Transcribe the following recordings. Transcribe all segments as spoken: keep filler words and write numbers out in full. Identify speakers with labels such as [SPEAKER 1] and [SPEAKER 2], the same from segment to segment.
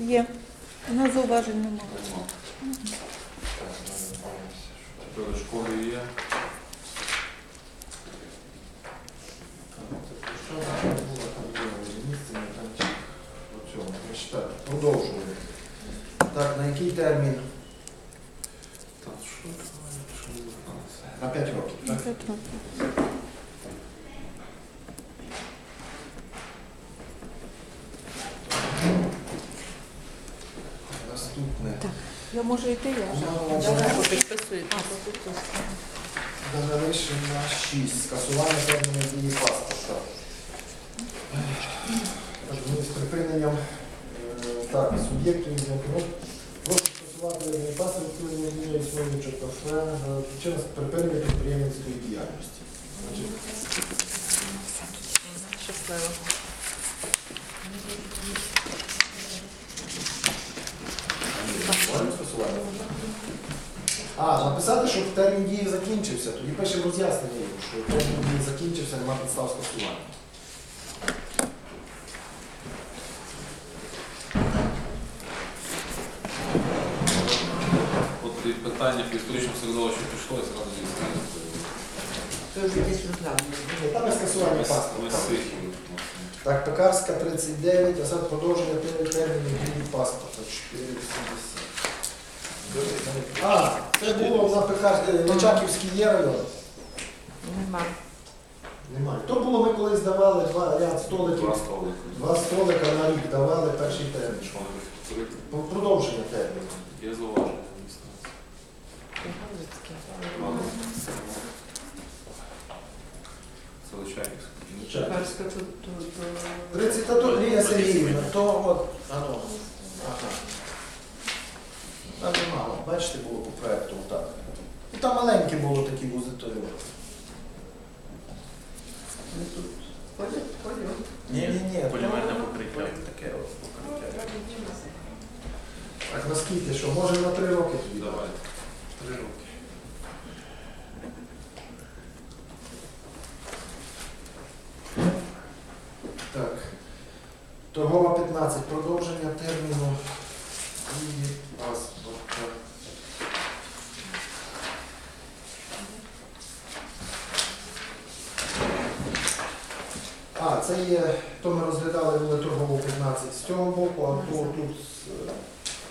[SPEAKER 1] Є. У нас зауважень немає.
[SPEAKER 2] Тепер школи є.
[SPEAKER 3] Продовжуємо. Так, на який термін?
[SPEAKER 2] Та що?
[SPEAKER 3] На п'ять років. Так?
[SPEAKER 1] П'ять років.
[SPEAKER 3] Наступне.
[SPEAKER 1] Так. Я можу йти, я?
[SPEAKER 3] Давай.
[SPEAKER 1] Підписуєте.
[SPEAKER 3] Рішення шість. Скасування терміну дії паспорта. Так, ми з припиненням е, так, суб'єктів ну, прошу скасувати термін паспорт, коли не змінює існуючого кафе, причина припинення підприємницької діяльності. Значить,
[SPEAKER 1] Щасливо.
[SPEAKER 3] можемо скасувати? А, написати, що термін дії закінчився, тоді пишемо роз'яснення, йому, що термін дії закінчився, нема підстав скасування.
[SPEAKER 2] От від питання по історичному середовищу пішло і зразу дійсно.
[SPEAKER 4] Це вже десь розглянули.
[SPEAKER 3] Там є скасування паспорта.
[SPEAKER 2] Ми сихі.
[SPEAKER 3] Так, Пекарська тридцять дев'ять, а зараз продовження терміну дії паспорта чотири вісімдесят. А, це було на Пекарській, Личаківській є район?
[SPEAKER 4] Нема.
[SPEAKER 3] Немає. То було, ми колись давали два ряд столиків,
[SPEAKER 2] Два столики.
[SPEAKER 3] два столика на рік давали перший термін.
[SPEAKER 2] Що вони відкрити?
[SPEAKER 3] Про- Продовження терміну.
[SPEAKER 2] Є зауваження. Ладно. Це Личаківська.
[SPEAKER 4] Перська тут, тут, тут.
[SPEAKER 3] тридцять, та то Лілія Сергіївна, то от, ано, ага. Там немало, бачите, було по проєкту отак. І там маленькі було такі вузи, то й от.
[SPEAKER 4] Ну, тут ходять, ходять.
[SPEAKER 3] Ні, ні, ні.
[SPEAKER 5] Полімерне
[SPEAKER 3] то-
[SPEAKER 5] покриття. Таке от покриття.
[SPEAKER 3] Так, наскільки, що, може на три роки тоді?
[SPEAKER 2] Давайте. Три роки.
[SPEAKER 3] Так. Торгова п'ятнадцять. Продовження терміну дії паспорта. А, це є, то ми розглядали були торгову п'ятнадцять з цього боку, а то тут з, е,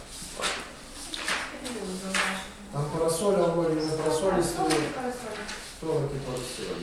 [SPEAKER 3] там парасоля, вроді не парасолі стоїть, столики парасолі.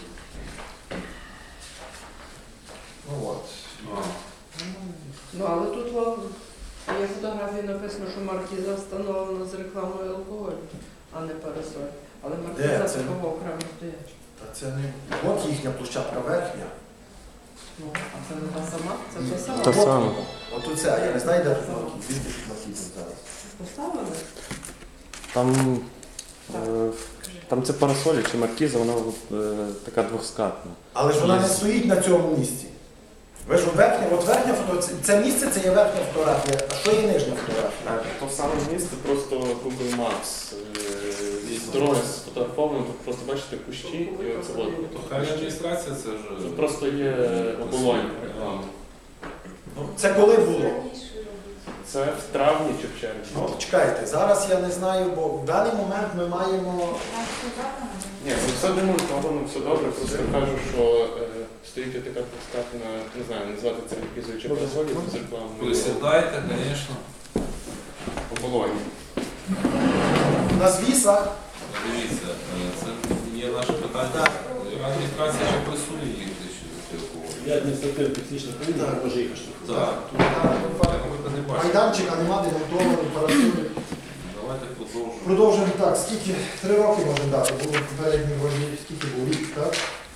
[SPEAKER 3] Ну от.
[SPEAKER 2] А,
[SPEAKER 4] Ну, але тут о, є фотографії написано, що маркіза встановлена з рекламою алкоголю, а не парасоль. Але
[SPEAKER 3] Де?
[SPEAKER 4] маркіза
[SPEAKER 3] Це-
[SPEAKER 4] такого окремо стоять.
[SPEAKER 3] Та це не. От їхня площадка верхня.
[SPEAKER 4] Ну, а це не та сама? Це та сама?
[SPEAKER 6] Та
[SPEAKER 3] От
[SPEAKER 6] сама.
[SPEAKER 3] воно. От оця, я не знаю, де тут маркіз. Звідки тут маркіз зараз?
[SPEAKER 4] Поставили?
[SPEAKER 6] Там, е, там це парасолі чи маркіза, вона е, така двоскатна.
[SPEAKER 3] Але ж вона не стоїть на цьому місці. Ви ж от верхня, от верхня фотографія, це місце це є верхня фотографія, а що є нижня фотографія?
[SPEAKER 6] То саме місце, просто Google Maps. З дороги сфотографовано, тут просто бачите кущі і оце от.
[SPEAKER 2] То хай адміністрація це ж...
[SPEAKER 6] Тут просто є оболонь реклами.
[SPEAKER 3] Ну, це коли було?
[SPEAKER 6] Це в травні чи в червні.
[SPEAKER 3] Ну, чекайте, зараз я не знаю, бо в даний момент ми маємо.
[SPEAKER 6] Ні, ну все демонтовано, все добре, просто кажу, що е, стоїть така двоскатна, не знаю, назвати це маркізою чи парасолі, з рекламою.
[SPEAKER 2] Присідайте, звісно.
[SPEAKER 6] Оболонь.
[SPEAKER 3] На звісах.
[SPEAKER 2] Дивіться, е, це є наше питання. Адміністрація ще присує їх до цього.
[SPEAKER 5] Я адміністративно-технічна комісія, може їх штрафувати.
[SPEAKER 2] Так,
[SPEAKER 3] Тут там,
[SPEAKER 2] я просто не бачу.
[SPEAKER 3] майданчика нема, демонтований, парасолі.
[SPEAKER 2] Давайте продовжуємо.
[SPEAKER 3] Продовжуємо так, скільки? Три роки можемо дати, було попередній вроді, скільки був рік, так?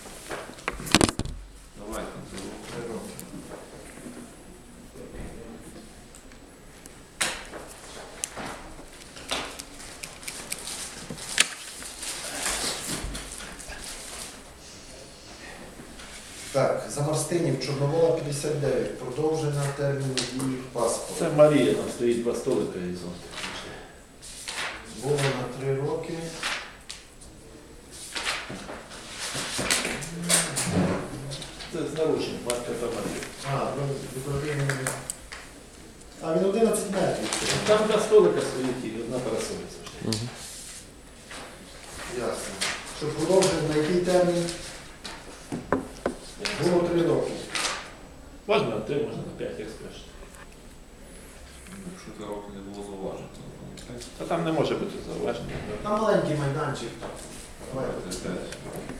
[SPEAKER 2] Давайте.
[SPEAKER 3] Три роки. Так, Замарстинів, Чорновола п'ятдесят дев'ять, продовження терміну дії паспорту.
[SPEAKER 5] Це Марія, там стоїть два столика і зон.
[SPEAKER 3] Було на три роки.
[SPEAKER 5] Це з нарушенням, марка та Марія.
[SPEAKER 3] А, ну, відповідно, А він одинадцять метрів.
[SPEAKER 5] Там два столика стоїть і одна парасолька.
[SPEAKER 7] Мгм.
[SPEAKER 3] Ясно. Що продовжуємо на який термін? Було три роки.
[SPEAKER 5] Можна на три, можна на п'ять, як скажете.
[SPEAKER 2] Якщо три роки не було зауважень, то пам'ятаєте?
[SPEAKER 5] Та там не може бути зауваження.
[SPEAKER 3] Там маленький майданчик. Давай.
[SPEAKER 2] Це п'ять.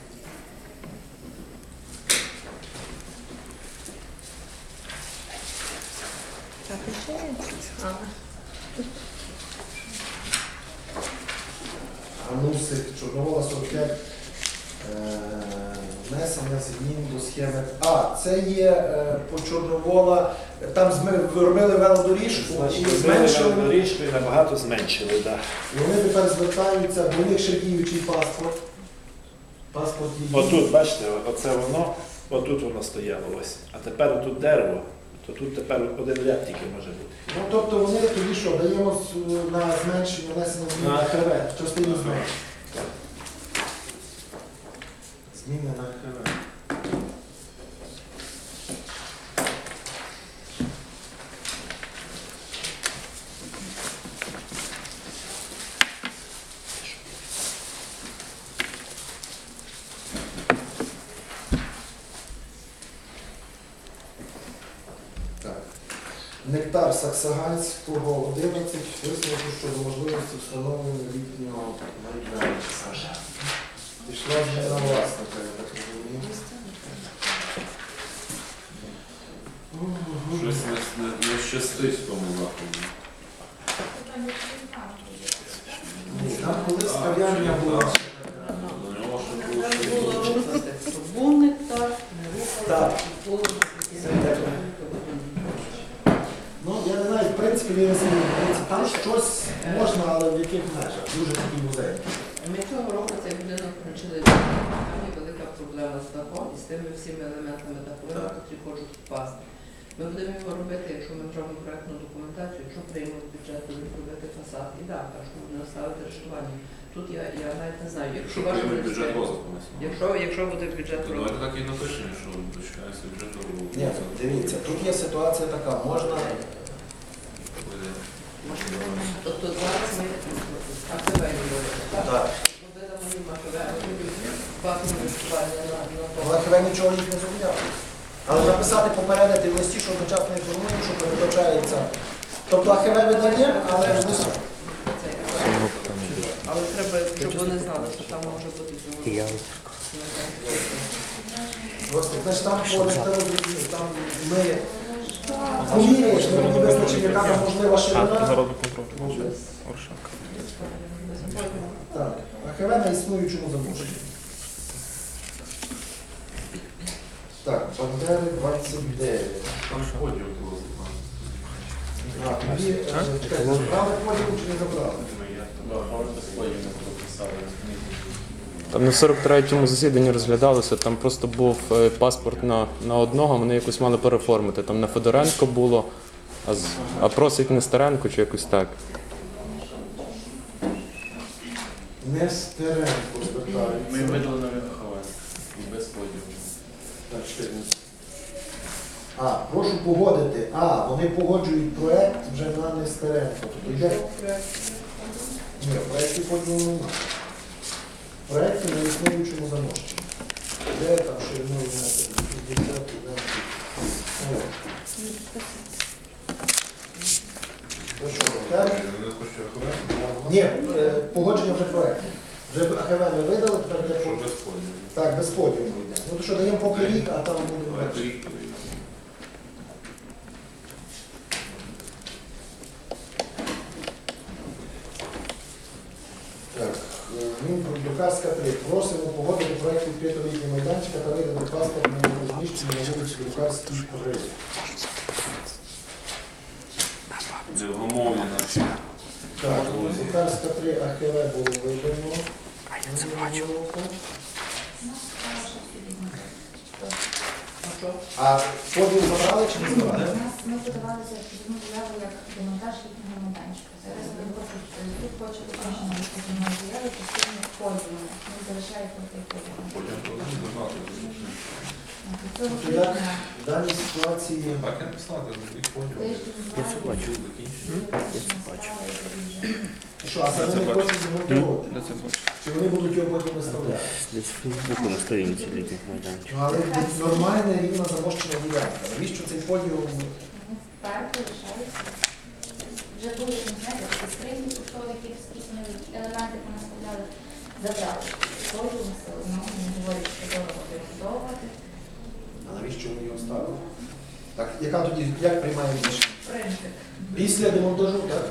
[SPEAKER 1] Так, і ще є.
[SPEAKER 3] Анусик Чорновола сорок п'ять. Е, Внесення змін до схеми. А, це є е, по Чорновола. Там зми- робили велодоріжку і зменшили.
[SPEAKER 5] Доріжку і набагато зменшили, так.
[SPEAKER 3] І вони тепер звертаються, бо у них ще діючий паспорт. Паспорт діючий.
[SPEAKER 5] Отут, бачите, оце воно, отут воно стояло ось. А тепер отут дерево, то тут тепер один ряд тільки може бути.
[SPEAKER 3] Ну, тобто вони тоді що, даємо з- на зменшення, внесення змін
[SPEAKER 5] На
[SPEAKER 3] на
[SPEAKER 5] ХВ.
[SPEAKER 3] частину зменшення. Зміни на ХВ. Так. Нектар Саксаганського одинадцять висновку щодо можливості встановлення літнього майданчика. Пішла зміна власника, я так розумію.
[SPEAKER 2] Щось не, не, не щастить в тому заході.
[SPEAKER 3] Ні, там колись кав'ярня була.
[SPEAKER 2] До нього ще було
[SPEAKER 4] Треба
[SPEAKER 2] ще
[SPEAKER 4] було
[SPEAKER 2] більше.
[SPEAKER 4] рухати, щоб був нектар, не рухати,
[SPEAKER 3] Так.
[SPEAKER 4] щоб було
[SPEAKER 3] Це так. Ну, я не знаю, в принципі, він змінюється. Там щось можна, але в яких межах. Дуже такий музей.
[SPEAKER 4] Ми цього року цей будинок включили в там є велика проблема з дахом і з тими всіми елементами даховими, які хочуть впасти. Ми будемо його робити, якщо ми зробимо проєктну документацію, якщо приймемо бюджет, то зробити фасад і дах, а що будемо ставити рештування. Тут я, я навіть не знаю, якщо
[SPEAKER 2] Щоб
[SPEAKER 4] ваш
[SPEAKER 2] приймуть бюджет
[SPEAKER 4] міністерство,
[SPEAKER 2] розвитку на сьогодні.
[SPEAKER 4] якщо, якщо буде бюджет
[SPEAKER 2] То давайте
[SPEAKER 4] розвитку.
[SPEAKER 2] так і напишемо, що дочекається бюджету.
[SPEAKER 3] Ні, дивіться, тут є ситуація така, можна.
[SPEAKER 4] Тобто зараз ми АКВ говоримо, так?
[SPEAKER 3] Так.
[SPEAKER 4] Ми видамо їм АКВ, а будуть бати інвестування на, на
[SPEAKER 3] Але хіба нічого їх не зобов'язує. Але написати попередити в листі, що одночасно інформуємо, що передбачається. Тобто АХВ видає, але ж не сам.
[SPEAKER 4] Цей АКВ. Але треба, щоб вони знали, що там може бути цього.
[SPEAKER 3] Просто значить, там по там ми поміряєш, ми тоді визначимо, яка там можлива ширина. Так, АХВ на існуючому замовченні. Так, Бандери двадцять дев'ять.
[SPEAKER 2] Там ж поділ було.
[SPEAKER 3] А, тоді, е, чекайте, забрали поділ чи не забрали?
[SPEAKER 7] Там на сорок третьому засіданні розглядалося, там просто був е, паспорт на, на одного, вони якось мали переформити. Там на Федоренко було, а, з- а просить Нестеренко чи якось так.
[SPEAKER 3] Нестеренко звертається.
[SPEAKER 6] видали на ХВ. Без поділу.
[SPEAKER 3] Так, чекайте. А, прошу погодити. А, вони погоджують проект вже на Нестеренко. Тобто йде. Ні, в проєкті поділу немає. Проєкти на існуючому замовченні. Де там шириною метрів? шістдесят, О. Ну що, так?
[SPEAKER 2] Не хочу АХВ,
[SPEAKER 3] Ні, е, погодження вже проєкту. Вже АХВ ми видали, тепер йде
[SPEAKER 2] що
[SPEAKER 3] по-
[SPEAKER 2] без поділу.
[SPEAKER 3] так, без поділу йде. Ну то що, даємо поки рік, а там буде
[SPEAKER 2] Давайте
[SPEAKER 3] менше.
[SPEAKER 2] рік подивимося.
[SPEAKER 3] Так, Мінпродукарська три. Просимо погодити проєкт відкритого літнього майданчика та видати паспорт на розміщення на вулиці Друкарській три.
[SPEAKER 2] Невгомовлена.
[SPEAKER 3] Так, Друкарська три АХВ було видано. Минулого року.
[SPEAKER 4] А що?
[SPEAKER 3] А поділ забрали чи не забрали?
[SPEAKER 8] У нас ми подавалися позивну заяву як демонтаж літнього майданчика. Зараз ми хочуть, тут хоче уточнення позивної заяви частини поділу. Ми залишаємо той поділ.
[SPEAKER 2] Потім подивимося, багато.
[SPEAKER 8] До цього
[SPEAKER 3] Тобто як
[SPEAKER 8] тижня
[SPEAKER 3] в даній ситуації
[SPEAKER 2] Так і написати, і поняв.
[SPEAKER 8] тиждень
[SPEAKER 7] це бачу.
[SPEAKER 3] що, а це вони хочуть демонтувати? Чи вони будуть його потім виставляти?
[SPEAKER 9] Десь в Фейсбуку на сторінці літніх майданчиків.
[SPEAKER 3] Ну, але нормальна рівна замощена ділянка. Навіщо цей подіум?
[SPEAKER 8] парку лишаються. Вже були, не знаєте, такі скрині, які скрізні елементи понаставляли, забрали. Подіум все одно, вони говорять, що дорого перебудовувати.
[SPEAKER 3] А навіщо вони його ставили? Так, яка тоді, як приймає рішення?
[SPEAKER 8] Принцип.
[SPEAKER 3] Після демонтажу, так?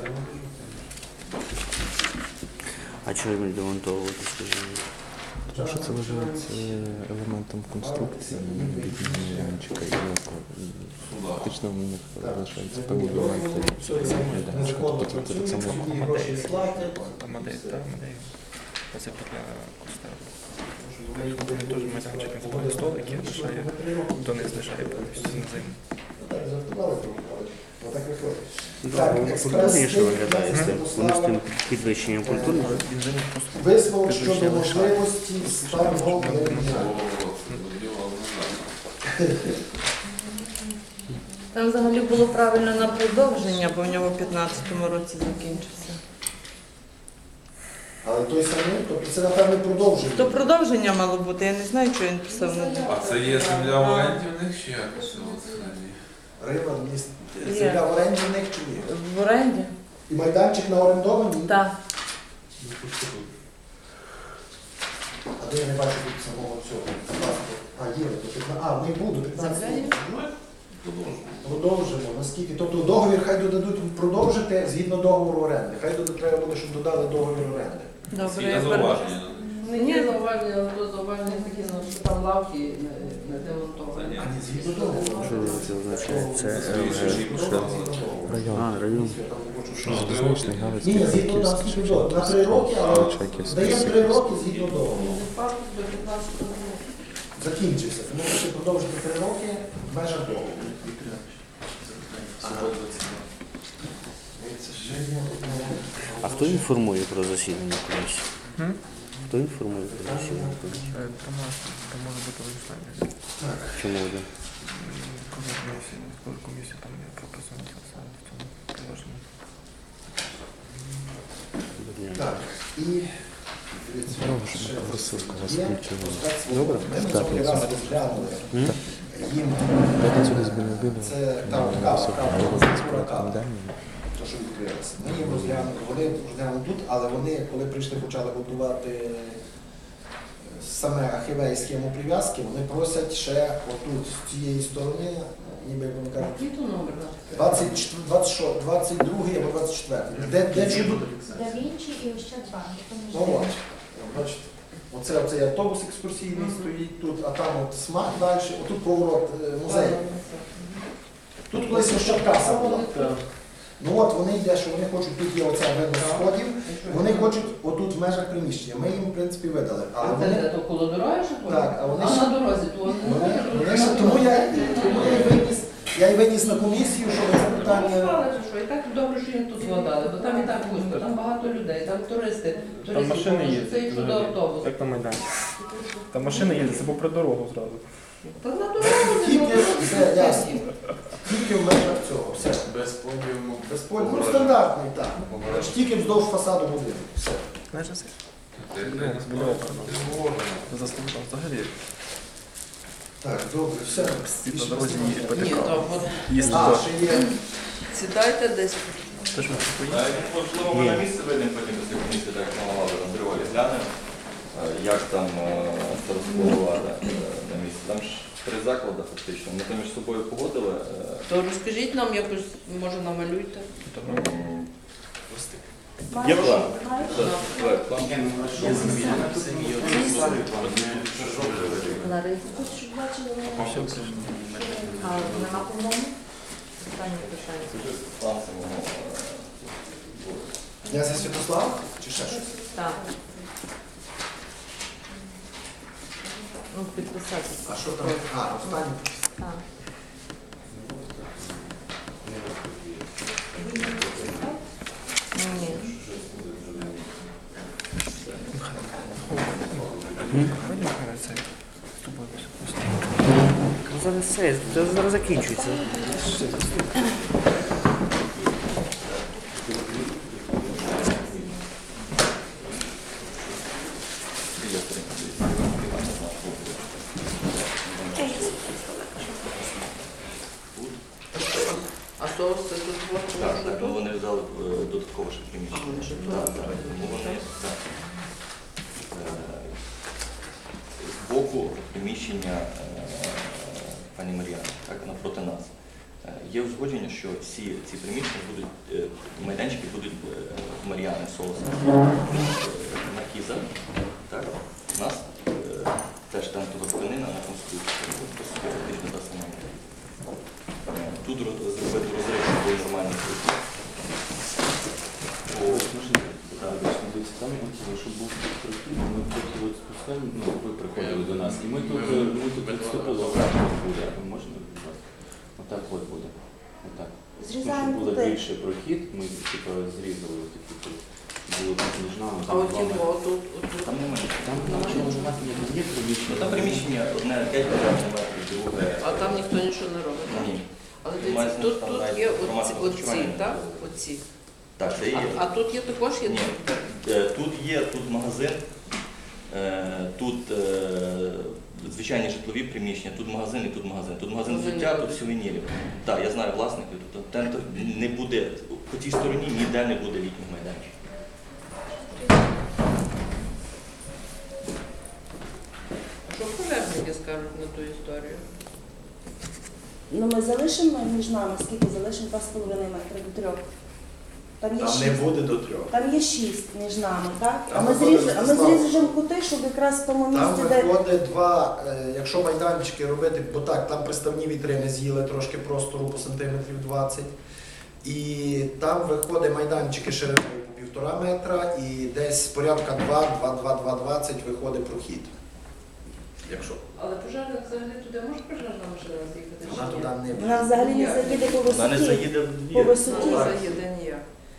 [SPEAKER 9] А чого їм демонтовувати, скажімо?
[SPEAKER 7] Тому що це вважається елементом конструкції літнього майданчика. І ну, фактично в них залишаються певні елементи майданчика.
[SPEAKER 3] Незаконно
[SPEAKER 7] Тобто це так само
[SPEAKER 3] працюють, тоді гроші не платять.
[SPEAKER 10] Там модель, так, модель. Це для кустару. Вони теж майданчик на столики лишає, донизу лишає повністю на зиму.
[SPEAKER 3] Так, жартували, провокали. Отак виходить.
[SPEAKER 9] Так, воно культурніше виглядає, з тим, воно з тим підвищенням культурного.
[SPEAKER 3] Висновок щодо можливості старого виробництва.
[SPEAKER 1] Там взагалі було правильно на продовження, бо в нього в п'ятнадцятому році закінчився.
[SPEAKER 3] Але той самий, тобто це, напевне, продовжує.
[SPEAKER 1] То продовження мало бути, я не знаю, що він писав на них.
[SPEAKER 2] А це є земля в оренді в них чи якось?
[SPEAKER 3] Рива, міст.
[SPEAKER 1] Є.
[SPEAKER 3] Земля в оренді в них чи ні?
[SPEAKER 1] В оренді?
[SPEAKER 3] І майданчик на орендованій?
[SPEAKER 1] Так.
[SPEAKER 3] А де я не бачу тут самого цього? А, є. то п'ятна- А, в них буде п'ятнадцять років. Продовжимо. Наскільки? Тобто договір хай додадуть продовжити згідно договору оренди. Хай дода- треба буде, щоб додали договір оренди.
[SPEAKER 1] Добре,
[SPEAKER 2] Є
[SPEAKER 1] я
[SPEAKER 2] зауваження.
[SPEAKER 4] Не є зауваження, але то зауваження такі, ну, що там лавки не, не демонтовані.
[SPEAKER 3] А не згідно договору.
[SPEAKER 9] Що це означає? Це
[SPEAKER 3] Це
[SPEAKER 9] е,
[SPEAKER 3] згідно
[SPEAKER 9] що?
[SPEAKER 3] договору.
[SPEAKER 7] Район.
[SPEAKER 9] А, район.
[SPEAKER 7] Залізничний,
[SPEAKER 3] Ні,
[SPEAKER 7] Галицький,
[SPEAKER 3] ні, згідно там
[SPEAKER 7] Франківський,
[SPEAKER 3] скільки до- на три роки, але
[SPEAKER 7] Чайківський,
[SPEAKER 3] дає три
[SPEAKER 7] Сихівський.
[SPEAKER 3] роки згідно договору.
[SPEAKER 4] Парк до п'ятнадцятого року.
[SPEAKER 3] Закінчився. Тому що продовжити три роки в межах договору.
[SPEAKER 9] А хто інформує про засідання комісії?
[SPEAKER 10] М?
[SPEAKER 9] Хто інформує про засідання комісії?
[SPEAKER 10] Е, Там може- там може бути вирішення.
[SPEAKER 9] Чому один?
[SPEAKER 10] Коли комісія, коли комісія там є прописана в цьому положенні.
[SPEAKER 3] Так, і
[SPEAKER 7] Добре, що ми розсилку вас включили.
[SPEAKER 3] Добре? Ми
[SPEAKER 7] В
[SPEAKER 3] на цьому
[SPEAKER 7] п'ятницю.
[SPEAKER 3] раз розглянули
[SPEAKER 9] М?
[SPEAKER 3] їм.
[SPEAKER 7] В п'ятницю десь біля обіду.
[SPEAKER 3] Це там
[SPEAKER 7] на
[SPEAKER 3] кава,
[SPEAKER 7] високу
[SPEAKER 3] кава,
[SPEAKER 7] Галицьку
[SPEAKER 3] кава, кава.
[SPEAKER 7] комендальну.
[SPEAKER 3] То, що відкрилося. Ми їм розглянули, вони розглянули тут, але вони, коли прийшли, почали будувати саме ахівей схему прив'язки, вони просять ще отут, з цієї сторони, ніби як вони кажуть,
[SPEAKER 4] Який то номер?
[SPEAKER 3] двадцять чотири, двадцять шо- двадцять другий або двадцять четвертий. Де, де чудо?
[SPEAKER 8] Да Вінчі і Ощадбанк.
[SPEAKER 3] Ну от, бачите. Оце, оцей автобус екскурсійний стоїть тут, а там от смак далі, отут поворот е, музей. Тут колись Ощадкаса була. Ну от вони йде, що вони хочуть, тут є оця видно сходів, вони хочуть отут в межах приміщення. Ми їм, в принципі, видали. Але
[SPEAKER 4] А це
[SPEAKER 3] вони,
[SPEAKER 4] де то коло дороги, що
[SPEAKER 3] Так, а вони
[SPEAKER 4] а
[SPEAKER 3] ще-
[SPEAKER 4] на дорозі, то вони не
[SPEAKER 3] вони,
[SPEAKER 4] можуть
[SPEAKER 3] вони ще- тому я, тому я і виніс, я і виніс на комісію, що це питання.
[SPEAKER 4] Знали, що і так добре, що їм тут згадали, бо там і так пусто, там багато людей, там туристи,
[SPEAKER 10] Там
[SPEAKER 4] туристи,
[SPEAKER 10] машини
[SPEAKER 4] тому що
[SPEAKER 10] їздять.
[SPEAKER 4] це їх туди
[SPEAKER 10] взагалі,
[SPEAKER 4] автобус.
[SPEAKER 10] Як на майданчик. Там машини їздять, це попри дорогу зразу.
[SPEAKER 4] Та на дорогу не
[SPEAKER 3] Тільки,
[SPEAKER 4] можуть.
[SPEAKER 3] все, ясно. Тільки в межах цього, все.
[SPEAKER 2] Без подіуму.
[SPEAKER 3] Без поля. Ну, стандартний, так. Значить, тільки вздовж фасаду будинку. Все.
[SPEAKER 10] Знаєш, це
[SPEAKER 2] Ти
[SPEAKER 10] Ну, з біля окна.
[SPEAKER 2] згоден.
[SPEAKER 10] заставка взагалі.
[SPEAKER 3] Так, добре, все.
[SPEAKER 10] Всі
[SPEAKER 3] Більше
[SPEAKER 10] по дорозі
[SPEAKER 3] немає.
[SPEAKER 10] їдуть
[SPEAKER 4] Ні,
[SPEAKER 10] потихо.
[SPEAKER 4] то от
[SPEAKER 10] Їсти
[SPEAKER 3] А,
[SPEAKER 10] то.
[SPEAKER 3] ще є.
[SPEAKER 1] Сідайте десь.
[SPEAKER 10] Ти ж можеш поїсти.
[SPEAKER 11] Навіть, можливо, ми на місце вийдемо потім після комісії, так як мала на Андреолі глянемо, е, як там е, це розпланувати е, на місці. Там ж три заклади фактично. Ми там між собою погодили. е,
[SPEAKER 1] То розкажіть нам якось, може намалюйте.
[SPEAKER 11] м, Є план. Так, так, план.
[SPEAKER 8] А нема по-моєму?
[SPEAKER 1] Останнє питання.
[SPEAKER 11] План самого. е,
[SPEAKER 3] Я за Святослав? Чи ще щось?
[SPEAKER 1] Так. Ну, підписати.
[SPEAKER 3] А що там? А, останнє.
[SPEAKER 1] Так. Ні.
[SPEAKER 10] Ходімо, хай це з тобою все просто.
[SPEAKER 9] зараз все, це зараз закінчується.
[SPEAKER 4] А соус це тут
[SPEAKER 11] Так,
[SPEAKER 4] творче,
[SPEAKER 11] так, ну вони взяли е, додатково ще приміщення.
[SPEAKER 4] вони ще
[SPEAKER 11] Так, так, тому вони так. Е, Збоку приміщення е, пані Мар'яни, так, напроти нас. Е, Є узгодження, що всі ці приміщення будуть, е, майданчики будуть е, Мар'яни соусом. Маркіза, так, у нас е, теж там туди тканина на конструкції, фактично та сама. Е, Тут роз- зробити розрив, щоб були нормальні круті.
[SPEAKER 12] Там хотіли, щоб був прохід, ми поки от спускаємо, ну, ви приходили до нас, і ми тут, ми тут відступили, отак от буде, а можна, будь ласка, отак от буде, отак. Ну, щоб
[SPEAKER 13] Зрізаємо
[SPEAKER 12] було
[SPEAKER 13] кути.
[SPEAKER 12] більше прохід, ми типу зрізали ось такі тут, було тут між нами.
[SPEAKER 4] А от його тут, тут.
[SPEAKER 11] Там немає.
[SPEAKER 12] Там нічого немає, є приміщення.
[SPEAKER 11] Ну, там приміщення одне п'ять квадратних метрів, друге.
[SPEAKER 4] А там ніхто нічого не робить, так?
[SPEAKER 11] Ні.
[SPEAKER 4] Але
[SPEAKER 11] Має
[SPEAKER 4] дивіться,
[SPEAKER 11] сенс,
[SPEAKER 4] тут,
[SPEAKER 11] там
[SPEAKER 4] тут
[SPEAKER 11] навіть
[SPEAKER 4] є
[SPEAKER 11] інформація
[SPEAKER 4] оці,
[SPEAKER 11] про
[SPEAKER 4] оці,
[SPEAKER 11] харчування.
[SPEAKER 4] так? Оці.
[SPEAKER 11] Так, це є.
[SPEAKER 4] А, а тут є також є.
[SPEAKER 11] Ні. Е, Тут є тут магазин, е, тут е, звичайні житлові приміщення, тут магазин і тут магазин. Тут магазин взуття, тут сувенірів. Так, я знаю власників, тут тендер не буде, по тій стороні ніде не буде літніх майданчиків.
[SPEAKER 4] А що пожежники скажуть на ту історію?
[SPEAKER 13] Ну ми залишимо між нами, скільки залишимо два з половиною метри до трьох. Там є
[SPEAKER 3] Там не
[SPEAKER 13] шість.
[SPEAKER 3] буде до трьох.
[SPEAKER 13] Там є шість між нами, так? А
[SPEAKER 3] Там
[SPEAKER 13] ми
[SPEAKER 3] виходить
[SPEAKER 13] зріж- а ми
[SPEAKER 3] Ростислав.
[SPEAKER 13] зріжемо кути, щоб якраз в тому
[SPEAKER 3] Там
[SPEAKER 13] місці, де
[SPEAKER 3] виходить два, е, якщо майданчики робити, бо так, там приставні вітрини з'їли трошки простору по сантиметрів двадцять. І там виходить майданчики шириною по півтора метра і десь порядка два-два-два-два-двадцять виходить прохід. Якщо.
[SPEAKER 4] Але пожежник взагалі туди може пожежна машина з'їхати?
[SPEAKER 3] Вона
[SPEAKER 4] чи ні?
[SPEAKER 3] туди не
[SPEAKER 13] вона взагалі не заїде по
[SPEAKER 11] Вона не
[SPEAKER 13] висоті.
[SPEAKER 11] заїде в
[SPEAKER 13] По
[SPEAKER 11] двір.
[SPEAKER 13] висоті.
[SPEAKER 4] Ну, заїде ніяк.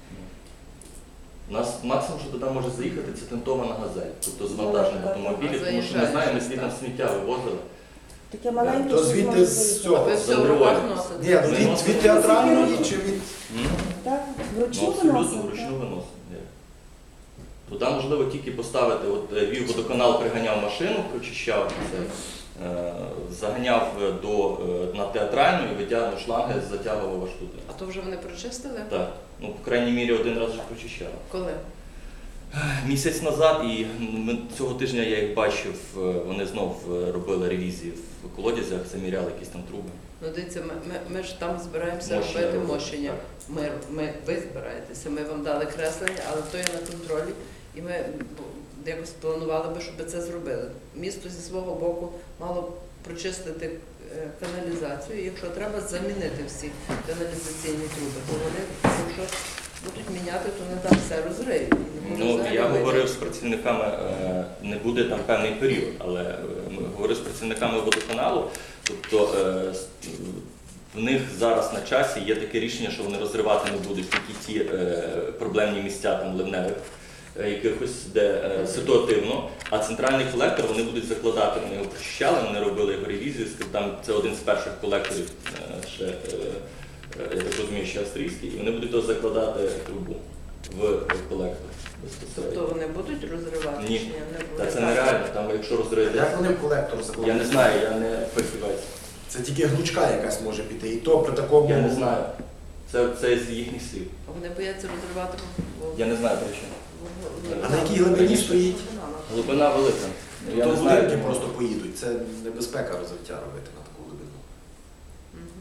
[SPEAKER 11] У нас максимум, що туди може заїхати, це тентована газель, тобто звантажений
[SPEAKER 13] Велика.
[SPEAKER 11] автомобіль,
[SPEAKER 4] А
[SPEAKER 11] тому що ми знаємо, ми звідти сміття вивозили.
[SPEAKER 13] Таке маленьке,
[SPEAKER 3] То
[SPEAKER 13] що
[SPEAKER 3] звідти
[SPEAKER 13] зможе
[SPEAKER 3] з
[SPEAKER 13] заїхати.
[SPEAKER 3] цього.
[SPEAKER 4] Ви все в
[SPEAKER 11] Заборонено.
[SPEAKER 4] руках носите?
[SPEAKER 3] Ні, ну, від, від театральної чи від.
[SPEAKER 11] М?
[SPEAKER 13] Так,
[SPEAKER 11] Ну,
[SPEAKER 13] вручну
[SPEAKER 11] абсолютно
[SPEAKER 13] виносимо.
[SPEAKER 11] вручну виносимо. Ні. Туди можливо тільки поставити, от е, Львів водоканал приганяв машину, прочищав це, е, заганяв до, е, на театральну і витягнув шланги, затягував аж туди.
[SPEAKER 4] А то вже вони прочистили?
[SPEAKER 11] Так. Ну, по крайній мірі, один раз вже прочищали.
[SPEAKER 4] Коли?
[SPEAKER 11] Місяць назад, і ми, цього тижня я їх бачив, е, вони знов е, робили ревізії в колодязях, заміряли якісь там труби.
[SPEAKER 4] Ну дивіться, ми, ми, ми ж там збираємося
[SPEAKER 11] Мощення
[SPEAKER 4] робити
[SPEAKER 11] робити,
[SPEAKER 4] мощення.
[SPEAKER 11] так.
[SPEAKER 4] Ми, ми, ви збираєтеся, ми вам дали креслення, але то є на контролі, і ми б- якось планували би, щоб це зробили. Місто зі свого боку мало б прочистити е, каналізацію, і якщо треба замінити всі каналізаційні труби, то вони, якщо будуть міняти, то не там все розриють. І не буде
[SPEAKER 11] Ну,
[SPEAKER 4] взагалі
[SPEAKER 11] я
[SPEAKER 4] вийти.
[SPEAKER 11] говорив з працівниками, е, не буде там певний період, але е, ми говорив з працівниками водоканалу, тобто е, с- в них зараз на часі є таке рішення, що вони розривати не будуть тільки ті е, проблемні місця там ливневих, е, якихось, де е, ситуативно, а центральний колектор вони будуть закладати. Вони його прочищали, вони робили його ревізію, скажімо, там це один з перших колекторів, е, ще, е, е, я так розумію, ще австрійський, і вони будуть його закладати трубу в колектор безпосередньо.
[SPEAKER 4] Тобто вони будуть розривати?
[SPEAKER 11] Ні.
[SPEAKER 4] чи ні? Не
[SPEAKER 11] Та
[SPEAKER 4] буде.
[SPEAKER 11] це нереально, там якщо розрити.
[SPEAKER 3] Як вони в колектор
[SPEAKER 11] Я
[SPEAKER 3] закладуть?
[SPEAKER 11] не знаю, я не фахівець.
[SPEAKER 3] Це тільки гнучка якась може піти. І то при такому.
[SPEAKER 11] Я не знаю. Це, це з їхніх слів.
[SPEAKER 4] А вони бояться розривати? бо-
[SPEAKER 11] Я не знаю причин.
[SPEAKER 3] А на якій глибині стоїть?
[SPEAKER 11] Глибина велика. Ну, Я
[SPEAKER 3] То
[SPEAKER 11] не знаю.
[SPEAKER 3] будинки просто поїдуть. Це небезпека розриття робити на таку глибину.
[SPEAKER 4] Мгм.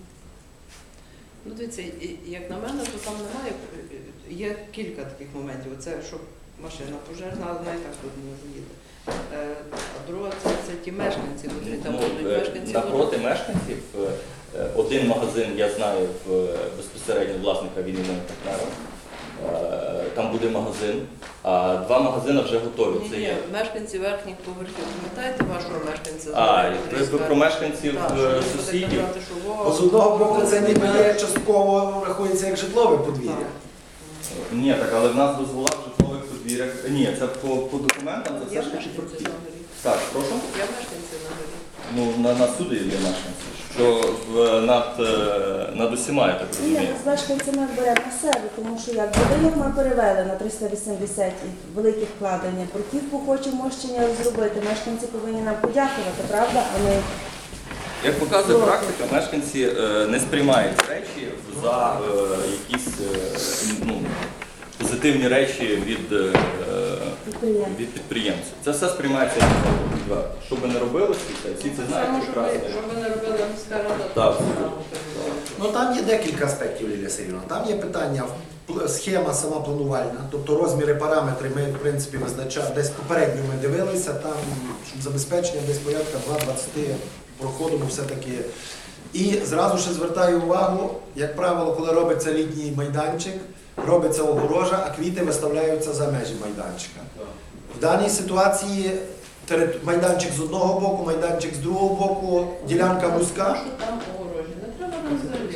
[SPEAKER 4] Ну, дивіться, і- як на мене, то там немає, є кілька таких моментів. Оце, що машина пожежна, але вона і так туди не заїде. Е, А друга, це, це ті мешканці, котрі там
[SPEAKER 11] Ну,
[SPEAKER 4] будуть
[SPEAKER 11] е,
[SPEAKER 4] мешканці.
[SPEAKER 11] Напроти мешканців е, е, один магазин, я знаю в е, безпосередньо власника він і моїм партнером. Е, Там буде магазин, а два магазини вже готові.
[SPEAKER 4] Ні,
[SPEAKER 11] Це
[SPEAKER 4] ні,
[SPEAKER 11] є.
[SPEAKER 4] мешканці верхніх поверхів. Пам'ятаєте вашого мешканця? з
[SPEAKER 11] А,
[SPEAKER 4] Мар'їни,
[SPEAKER 11] ви,
[SPEAKER 4] котрий
[SPEAKER 11] ви про
[SPEAKER 4] скаже,
[SPEAKER 11] мешканців
[SPEAKER 4] так,
[SPEAKER 11] е,
[SPEAKER 4] що він буде
[SPEAKER 11] сусідів.
[SPEAKER 4] казати, що во,
[SPEAKER 3] Бо з одного боку
[SPEAKER 4] во,
[SPEAKER 3] це ніби
[SPEAKER 4] во,
[SPEAKER 3] є частково рахується як житлове подвір'я.
[SPEAKER 4] Так.
[SPEAKER 11] Ні, так, але в нас дозвола в житлових подвір'ях. Ні, це по, по документам, це
[SPEAKER 4] Є
[SPEAKER 11] все ж таки
[SPEAKER 4] мешканці
[SPEAKER 11] прохід.
[SPEAKER 4] на горі.
[SPEAKER 11] Так, прошу.
[SPEAKER 4] Є мешканці на горі.
[SPEAKER 11] Ну, на, на суді є мешканці. що в, над, е, над усіма, я так
[SPEAKER 13] Ні,
[SPEAKER 11] розумію.
[SPEAKER 13] з мешканцями бере на себе, тому що як будинок ми перевели на триста вісімдесят і великі вкладення, бруківку хочемо мощення зробити, мешканці повинні нам подякувати, правда? А ми
[SPEAKER 11] Як показує практика, мешканці е, не сприймають речі за е, якісь е, ну, позитивні речі від, е,
[SPEAKER 13] підприємці.
[SPEAKER 11] від підприємців. Це все сприймається як відверто. Що би не робили, всі, всі це знають
[SPEAKER 4] Саме, щоб ви-
[SPEAKER 11] прекрасно.
[SPEAKER 4] щоб ви не робили міська рада,
[SPEAKER 11] Так.
[SPEAKER 4] то
[SPEAKER 3] Ну там є декілька аспектів, Лілія Сергійовна. Там є питання, пл- схема сама планувальна, тобто розміри, параметри ми, в принципі, визначали, десь попередньо ми дивилися, там, щоб забезпечення десь порядка два двадцять проходимо все-таки. І зразу ще звертаю увагу, як правило, коли робиться літній майданчик, робиться огорожа, а квіти виставляються за межі майданчика. В даній ситуації терит- майданчик з одного боку, майданчик з другого боку, ділянка вузька.
[SPEAKER 4] що там огорожі. Не треба нам взагалі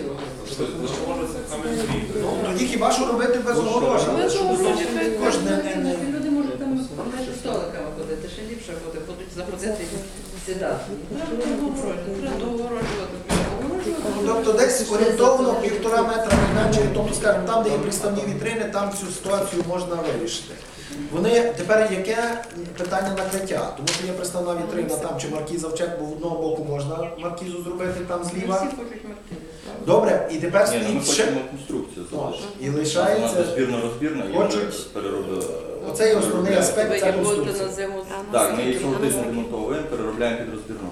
[SPEAKER 4] огорожі.
[SPEAKER 3] Ну, тоді хіба що робити без огорожа?
[SPEAKER 4] Без
[SPEAKER 3] Щоб
[SPEAKER 4] огорожі,
[SPEAKER 3] ну,
[SPEAKER 4] хай
[SPEAKER 3] кожне
[SPEAKER 4] кожне
[SPEAKER 3] не- не-
[SPEAKER 4] люди можуть там між столиками ходити, ще ліпше буде, будуть заходити і сідати. Треба огорожі, треба огорожувати.
[SPEAKER 3] Ну, тобто десь орієнтовно півтора метра майданчика, тобто, скажімо, там, де є приставні вітрини, там цю ситуацію можна вирішити. Вони тепер яке питання накриття? Тому що є приставна вітрина там чи маркіза в чек, бо в одного боку можна маркізу зробити там зліва.
[SPEAKER 4] Всі хочуть маркізи.
[SPEAKER 3] Добре, і тепер
[SPEAKER 11] Ні, ну, ми
[SPEAKER 3] стоїть ще.
[SPEAKER 11] хочемо конструкцію залишити.
[SPEAKER 3] І лишається.
[SPEAKER 11] Розбірно-розбірно, і
[SPEAKER 3] Хочуть-
[SPEAKER 11] вже переробили.
[SPEAKER 3] Оцей основний аспект
[SPEAKER 4] Ви
[SPEAKER 3] це
[SPEAKER 4] як будете
[SPEAKER 3] конструкція.
[SPEAKER 4] на зиму
[SPEAKER 11] Так, ми її солодично демонтовуємо, переробляємо під розбірну.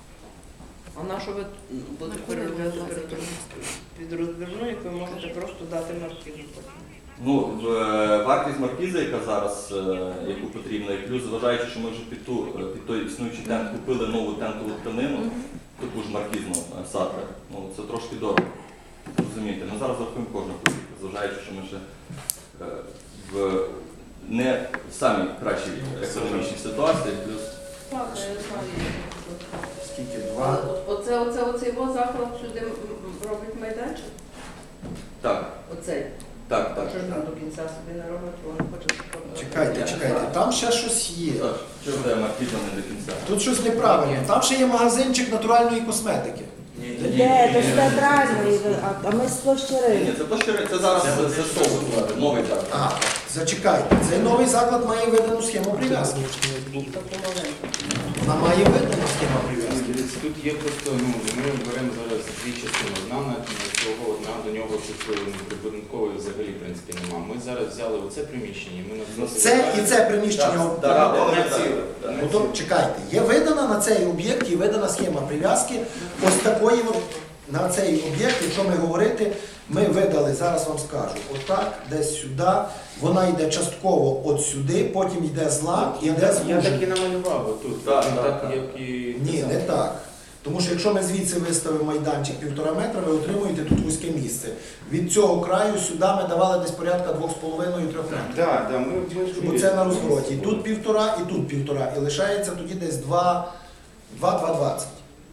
[SPEAKER 4] А на що ви будете переробляти під розбірну, як ви можете просто дати маркізу?
[SPEAKER 11] Ну, в- е, вартість маркізи, яка зараз, е, яку потрібно, і плюс, зважаючи, що ми вже під, ту, е, під той існуючий тент купили нову тентову тканину, таку ж маркізну е, сатра, ну це трошки дорого. Розумієте, ми зараз рахуємо кожну копійку, зважаючи, що ми ще е, в не самій кращій економічній ситуації, плюс
[SPEAKER 4] Так, я знаю.
[SPEAKER 3] Скільки?
[SPEAKER 4] А
[SPEAKER 3] Два.
[SPEAKER 4] Оце, оце, оцей його заклад сюди м- м- робить майданчик?
[SPEAKER 11] так,
[SPEAKER 4] Оцей.
[SPEAKER 11] так, так.
[SPEAKER 4] Що ж нам до кінця собі не робить, бо вони хочуть, щоб...
[SPEAKER 3] Чекайте, чекайте, там ще щось є.
[SPEAKER 11] Саш, чого це маркіза не до кінця?
[SPEAKER 3] Тут щось неправильно. Там ще є магазинчик натуральної косметики.
[SPEAKER 13] Де, то ж театральний, а, а ми з площі
[SPEAKER 11] Ні,
[SPEAKER 13] ринку.
[SPEAKER 11] це то, що це зараз застосовувати, новий так.
[SPEAKER 3] А, зачекайте, цей новий заклад має видану схему прив'язки. Вона має видану схему прив'язки.
[SPEAKER 12] Дивіться, тут є просто, ну, ми беремо зараз дві частини. Одна на на цього, одна до нього прибудинкової взагалі, в принципі, нема. Ми зараз взяли оце приміщення, і ми на
[SPEAKER 3] Це і це приміщення.
[SPEAKER 11] Так, так,
[SPEAKER 12] Одне
[SPEAKER 11] так,
[SPEAKER 12] ціле.
[SPEAKER 11] так.
[SPEAKER 3] Ну то чекайте, є видана на цей об'єкт і видана схема прив'язки. Ось такої от на цей об'єкт, якщо ми говорити, ми видали, зараз вам скажу, отак, десь сюди, вона йде частково от сюди, потім йде злам і
[SPEAKER 12] Я
[SPEAKER 3] йде
[SPEAKER 12] так, я
[SPEAKER 3] звуження.
[SPEAKER 12] так і намалював отут.
[SPEAKER 11] Так,
[SPEAKER 12] Він
[SPEAKER 11] так,
[SPEAKER 12] так,
[SPEAKER 11] так.
[SPEAKER 12] як і
[SPEAKER 3] Ні, не так. Тому що якщо ми звідси виставимо майданчик півтора метра, ви отримуєте тут вузьке місце. Від цього краю сюди ми давали десь порядка двох з половиною трьох метрів.
[SPEAKER 12] Так, так, ми, ми ж
[SPEAKER 3] Бо це на розвороті. І тут півтора, і тут півтора. І лишається тоді десь два, два, два двадцять.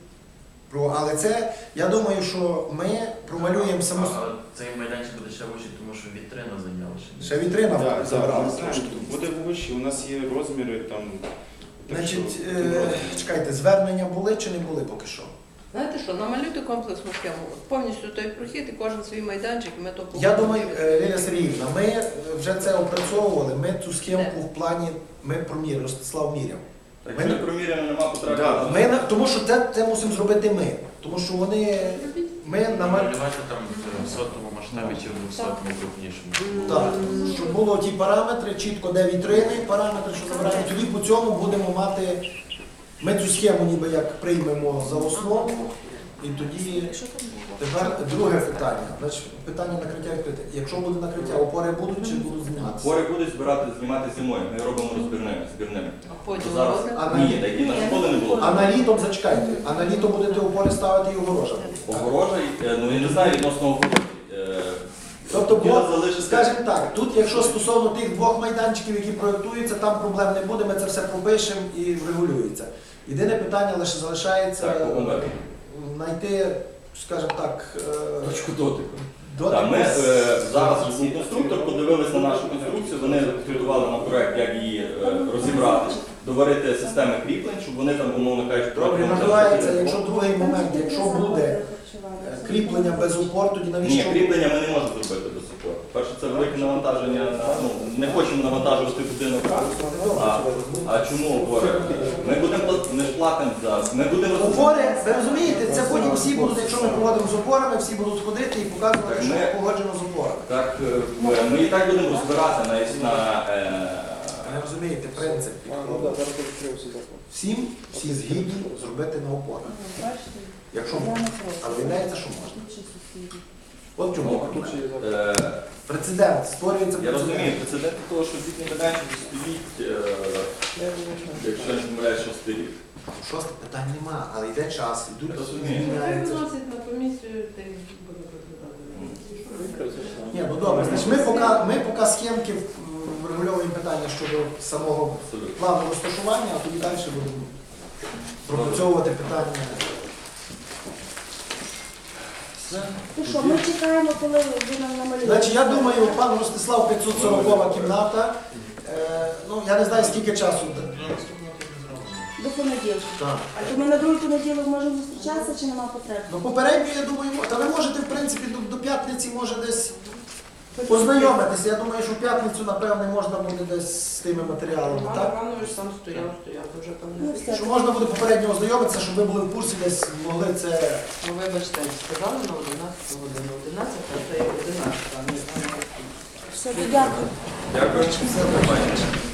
[SPEAKER 3] Про- Але це, я думаю, що ми промалюємо саму.
[SPEAKER 14] А цей майданчик буде ще вищий, тому що вітрина зайняла ще.
[SPEAKER 3] Ще вітрина
[SPEAKER 12] Так, так,
[SPEAKER 3] забрала
[SPEAKER 12] ми знаємо,
[SPEAKER 3] трошки.
[SPEAKER 12] буде вище, у нас є розміри там. так
[SPEAKER 3] Значить,
[SPEAKER 12] що,
[SPEAKER 3] е,
[SPEAKER 12] розміри.
[SPEAKER 3] чекайте, звернення були чи не були поки що?
[SPEAKER 4] Знаєте що, намалюйте комплексну схему, повністю той прохід і кожен свій майданчик, і ми то
[SPEAKER 3] Я
[SPEAKER 4] погодимо.
[SPEAKER 3] думаю, е, Лілія Сергіївна, ми е, вже це опрацьовували, ми цю схемку в плані, ми проміряли, Ростислав міряв.
[SPEAKER 11] Так,
[SPEAKER 3] Ми
[SPEAKER 11] якщо
[SPEAKER 3] не-
[SPEAKER 11] проміряно, нема потреби.
[SPEAKER 12] Да.
[SPEAKER 3] Ми, на- тому що це, це мусимо зробити ми. Тому що вони, ми намалюємо.
[SPEAKER 14] Малювати там в сотому масштабі чи в двохсотому крупнішому.
[SPEAKER 3] Так, щоб було ті параметри, чітко де вітрини, параметри, що забираємо. Тоді по цьому будемо мати, ми цю схему ніби як приймемо за основу, і тоді тепер друге питання. Значить, питання накриття відкрите. Якщо буде накриття, опори будуть чи будуть зніматися?
[SPEAKER 11] Хворі будуть збирати, знімати зимою, ми робимо розбірними, збірними.
[SPEAKER 4] А потім
[SPEAKER 11] Зараз
[SPEAKER 4] робите?
[SPEAKER 3] А на,
[SPEAKER 11] ні, такі на школи не було.
[SPEAKER 3] а на літом, зачекайте, а на літо будете опори ставити і огорожа.
[SPEAKER 11] Огорожа, е, ну я не знаю відносно огорожі. Е,
[SPEAKER 3] Тобто,
[SPEAKER 11] хотіла
[SPEAKER 3] бо,
[SPEAKER 11] залишити-
[SPEAKER 3] скажімо так, тут, якщо стосовно тих двох майданчиків, які проєктуються, там проблем не буде, ми це все пропишемо і врегулюється. Єдине питання лише залишається
[SPEAKER 11] Так, по умові.
[SPEAKER 3] знайти, скажімо так, е,
[SPEAKER 11] Точку дотику.
[SPEAKER 3] дотик.
[SPEAKER 11] Так, ми е, зараз конструктор подивилися на нашу конструкцію, вони підготували нам проект, як її е, розібрати. доварити системи кріплень, щоб вони там, умовно кажучи,
[SPEAKER 3] Добре,
[SPEAKER 11] протягом-
[SPEAKER 3] називається, якщо другий момент, якщо буде е, кріплення без упор, тоді
[SPEAKER 11] Ні,
[SPEAKER 3] навіщо?
[SPEAKER 11] кріплення ми не можемо зробити до супорту. Перше, це велике навантаження на ну, не хочемо навантажувати будинок. А, а чому опори? Ми будемо пла- ми ж платимо за ми будемо
[SPEAKER 3] Опори, ви розумієте, це потім всі будуть, якщо ми проводимо з опорами, всі будуть ходити і показувати,
[SPEAKER 11] Так
[SPEAKER 3] що
[SPEAKER 11] ми-
[SPEAKER 3] погоджено з опорами.
[SPEAKER 11] так. е, Ми і так будемо розбирати на, на е,
[SPEAKER 3] Ви розумієте, принцип. Всім всі згідні зробити на опорах. Якщо можна. Але виявляється, що можна. От чому проблема.
[SPEAKER 11] е,
[SPEAKER 3] Прецедент, створюється
[SPEAKER 11] Я розумію,
[SPEAKER 3] прецедент.
[SPEAKER 11] прецедент того, що літній майданчик стоїть, е, якщо я не помиляюсь, шостий рік.
[SPEAKER 3] Шосте питань нема, але йде час, йдуть,
[SPEAKER 11] Розумію.
[SPEAKER 3] зміняються.
[SPEAKER 4] Виносить на комісію, та й буде розглядати.
[SPEAKER 3] Ні, ну добре, значить ми поки, ми поки схемки м, врегульовуємо питання щодо самого
[SPEAKER 11] Абсолютно.
[SPEAKER 3] плану розташування, а тоді далі будемо пропрацьовувати питання.
[SPEAKER 13] Ну що, ми чекаємо, коли ви нам намалюєте.
[SPEAKER 3] Значить, я думаю, пан Ростислав п'ятсот сорокова кімната. Е, ну, я не знаю, скільки часу.
[SPEAKER 13] До понеділка.
[SPEAKER 3] Так.
[SPEAKER 13] А то ми на другий понеділок можемо зустрічатися чи нема потреби?
[SPEAKER 3] Ну, попередньо, я думаю, та ви можете, в принципі, до, до п'ятниці може десь познайомитися. Я думаю, що в п'ятницю, напевне, можна буде десь з тими матеріалами,
[SPEAKER 4] Роман
[SPEAKER 3] так?
[SPEAKER 4] Іванович сам стояв, стояв, то вже там
[SPEAKER 13] Ну,
[SPEAKER 4] не
[SPEAKER 13] все.
[SPEAKER 3] Що можна буде попередньо ознайомитися, щоб ви були в курсі, десь могли це...
[SPEAKER 4] Ну, вибачте, сказали на одинадцяту годину. одинадцята це є одинадцята, а не
[SPEAKER 13] Все, дякую.
[SPEAKER 11] Дякую.
[SPEAKER 3] Все,